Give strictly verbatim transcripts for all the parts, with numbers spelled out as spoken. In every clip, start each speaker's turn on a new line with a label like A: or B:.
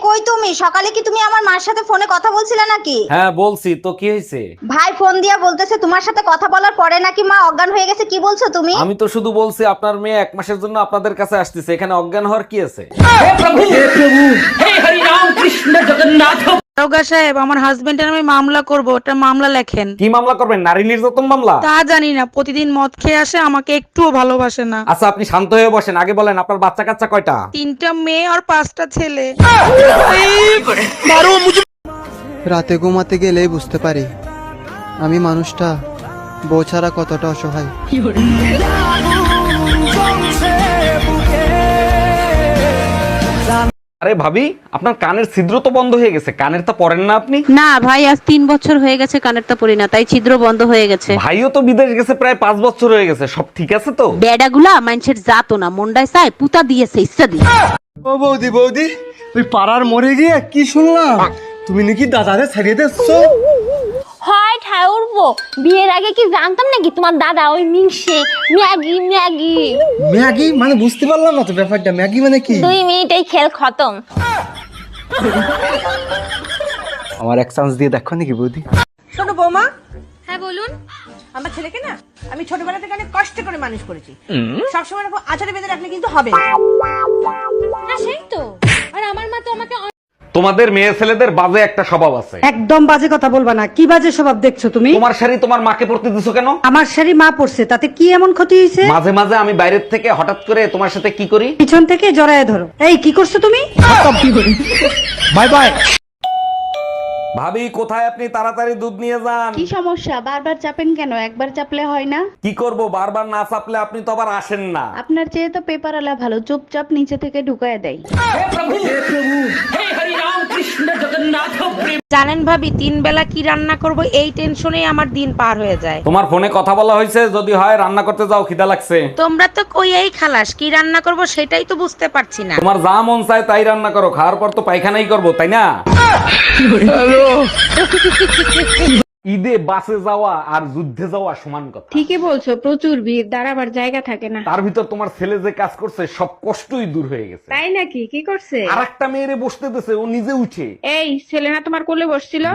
A: কই তুমি? সকালে কি তুমি আমার মার সাথে ফোনে কথা বলছিলে নাকি?
B: হ্যাঁ বলছি তো, কি হয়েছে?
A: ভাই ফোন দিয়া বলতেছে তোমার সাথে কথা বলার পরে নাকি মা অজ্ঞান হয়ে গেছে। কি বলছো তুমি?
B: আমি তো শুধু বলছি আপনার মেয়ে এক মাসের জন্য আপনাদের কাছে আসতেছে, এখানে অজ্ঞান হওয়ার কি আছে?
C: দারোগা সাহেব, আমার হাজবেন্ডের আমি মামলা করব, ওটা মামলা লেখেন।
B: কি মামলা করবেন? নারী নির্যাতন মামলা?
C: তা জানি না, প্রতিদিন মদ খেয়ে আসে, আমাকে একটুও ভালোবাসে না।
B: আচ্ছা আপনি শান্ত হয়ে বসেন, আগে বলেন আপনার বাচ্চা কাচ্চা কয়টা?
C: তিনটা মেয়ে আর পাঁচটা ছেলে।
D: রাতে ঘুমাতে গেলেই বুঝতে পারি আমি মানুষটা বউ ছাড়া কতটা অসহায়।
B: আরে ভাবি, আপনার কানের ছিদ্র তো বন্ধ হয়ে গেছে, কানের তো পরেন না আপনি?
E: না ভাই, আজ তিন বছর হয়ে গেছে কানেরটা পরি না, তাই ছিদ্র বন্ধ হয়ে গেছে।
B: ভাইও তো বিদেশ গেছে প্রায় পাঁচ বছর হয়ে গেছে, সব ঠিক আছে তো?
E: বেডাগুলা মানুষের জাতো না, মন্ডায় চায় পুতা দিয়েছে ইচ্ছা দিয়ে।
F: ও বৌদি বৌদি, ওই পাড়ার মরে গিয়ে কি শুনলাম তুমি নাকি দাদারে ছাড়িয়ে দিচ্ছো?
G: হয় ঠায় উঠবো, বিয়ের আগে কি জানতাম নাকি তোমার দাদা ওই মিংসে ম্যাগি ম্যাগি
F: ম্যাগি মানে বুঝতে পারলাম না তো ব্যাপারটা, ম্যাগি মানে কি?
G: দুই মিনিটেই খেল খতম।
F: আমার এক চান্স দিয়ে দেখো নাকি বৌদি?
H: শোনো বৌমা,
G: হ্যাঁ বলুন।
H: আমার ছেলেকে না আমি ছোটবেলা থেকে অনেক কষ্ট করে মানুষ করেছি। সবসময় এরকম আচারে বেঁধে রাখলে কিন্তু হবে না।
G: হ্যাঁ সেই তো, আর আমার মা তো আমাকে
B: তোমাদের মেয়ে ছেলেদের বাজে একটা স্বভাব আছে।
I: একদম বাজে কথা বলবা না। কি বাজে স্বভাব দেখছো তুমি?
B: তোমার শাড়ি তোমার মাকে পরতে দিছো কেন?
I: আমার শাড়ি মা পড়ছে, তাতে কি এমন ক্ষতি হয়েছে?
B: মাঝে মাঝে আমি বাইরের থেকে হঠাৎ করে তোমার সাথে কি করি,
I: পিছন থেকে জড়ায় ধরো। এই কি করছো তুমি?
F: Bye bye.
B: ভাবি কোথায় আপনি? তাড়াতাড়ি দুধ নিয়ে যান।
E: কি সমস্যা? বারবার চাপেন কেন? একবার চাপলে হয় না?
B: কি করব, বারবার না চাপলে আপনি তো আবার আসেন না।
E: আপনার চেয়ে তো পেপার আলা ভালো, চুপচাপ নিচে থেকে ঢুকায় দেয়।
C: জানেন ভাবি, তিন বেলা কি রান্না করব এই টেনশনেই আমার দিন পার হয়ে যায়।
B: তোমার ফোনে কথা বলা হয়েছে, যদি হয় রান্না করতে যাও, খিদা লাগছে।
C: তোমরা তো কই এই খালাস, কি রান্না করব সেটাই তো বুঝতে পারছি না।
B: তোমার যা মন চায় তাই রান্না করো, খাওয়ার পর তো পায়খানাই করবো, তাই না? ঈদে বাসে যাওয়া আর যুদ্ধে যাওয়া সমান কথা।
E: ঠিকই বলছো, প্রচুর ভিড়, দাঁড়াবার জায়গা থাকে না।
B: তার ভিতর তোমার ছেলে যে কাজ করছে সব কষ্টই দূর হয়ে গেছে।
E: তাই নাকি? কি করছে?
B: আর একটা মেয়েরে বসতে দিছে, ও নিজে উঠে।
E: এই ছেলে না তোমার কোলে বসছিল?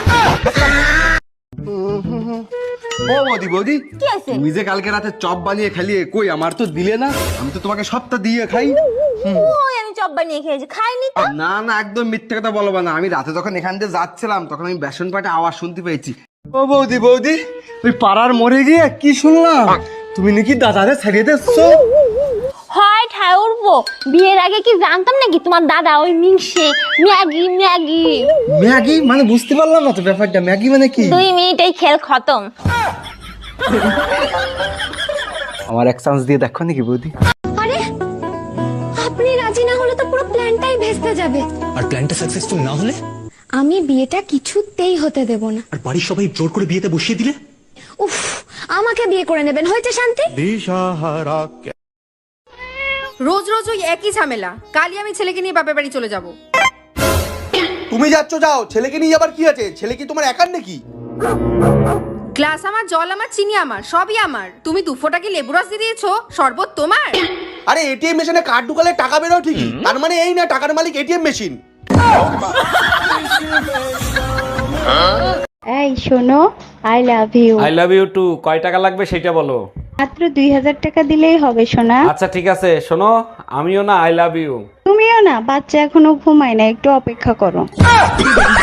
F: ও বৌদি বৌদি,
G: কি আছে?
F: তুমি যে কালকে রাতে চপ বানিয়ে খালিয়ে কই আমার তো দিলে না? আমি তো তোমাকে সপ্তাহ দিয়ে খাই।
G: ওই আমি চপ বানিয়ে খেয়েছি, খাইনি তো।
F: না না, একদম মিথ্যে কথা বলবো না। আমি রাতে যখন এখান দিয়ে যাচ্ছিলাম তখন আমি বেসন পাটে আওয়াজ শুনতে পেয়েছি। ও বৌদি বৌদি, ওই পাড়ার মরে গিয়ে কি শুনলাম তুমি নাকি দাদারে ছাড়িয়ে দিচ্ছো?
G: হয় ঠায় উঠবো, বিয়ের আগে কি জানতাম নাকি তোমার দাদা ওই মিংসে ম্যাগি ম্যাগি
F: ম্যাগি মানে বুঝতে পারলাম না তো ব্যাপারটা, ম্যাগি মানে কি?
G: দুই মিনিটেই খেল খতম।
F: আমার এক চান্স দিয়ে দেখো নাকি বৌদি?
G: আরে আপনি রাজি না হলে তো পুরো প্ল্যানটাই ভেস্তে যাবে।
J: আর প্ল্যানটা সাকসেসফুল না হলে?
G: আমি বিয়েটা কিছুতেই হতে দেব না।
J: আর বাড়ির সবাই জোর করে বিয়েতে বসিয়ে দিলে?
G: উফ, আমাকে বিয়ে করে নেবেন, হয়েছে শান্তি।
H: রোজ রোজ ওই একই ঝামেলা। কালই আমি ছেলেকে নিয়ে বাপের বাড়ি চলে যাব।
F: তুমি যাচ্ছ যাও, ছেলেকে নিয়ে যাবার কি আছে? ছেলে কি তোমার একার নাকি?
H: গ্লাস আমার, জল আমার, চিনি আমার, সবই আমার। তুমি দু ফোঁটা কি লেবু রস দিয়ে দিয়েছো? শরবত তোমার?
F: আরে এটিএম মেশিনে কার্ড ঢুকালে টাকা বেরো ঠিকই, তার মানে এই না টাকার মালিক এটিএম মেশিন।
E: এই শোনো, I love you.
B: I love you too. কয় টাকা লাগবে সেটা বলো।
E: মাত্র দুই হাজার টাকা দিলেই হবে সোনা।
B: আচ্ছা ঠিক আছে, শোনো আমিও না আই লাভ ইউ।
E: তুমিও না, বাচ্চা এখনো ঘুমায় না, একটু অপেক্ষা করো।